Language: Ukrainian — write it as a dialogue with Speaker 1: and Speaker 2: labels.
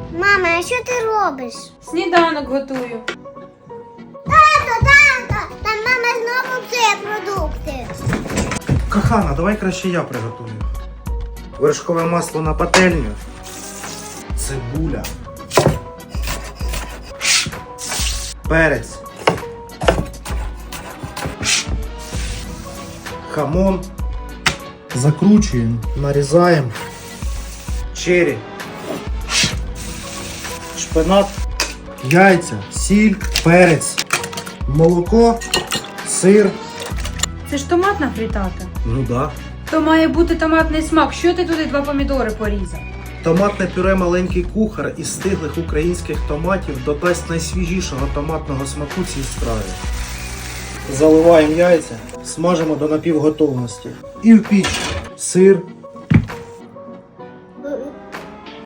Speaker 1: Мама, а що ти робиш?
Speaker 2: Сніданок готую.
Speaker 1: Тато, там мама знову псує продукти.
Speaker 3: Кохана, давай краще я приготую. Вершкове масло на пательню. Цибуля. Перець. Хамон. Закручуємо, нарізаємо. Черрі. Шпинат. Яйця, сіль, перець, молоко, сир.
Speaker 2: Це ж томатна фрітата.
Speaker 3: Ну да.
Speaker 2: То має бути томатний смак. Що ти туди 2 помідори порізав?
Speaker 3: Томатне пюре «Маленький кухар» із стиглих українських томатів додасть найсвіжішого томатного смаку цій страві. Заливаємо яйця, смажимо до напівготовності. І в піч сир,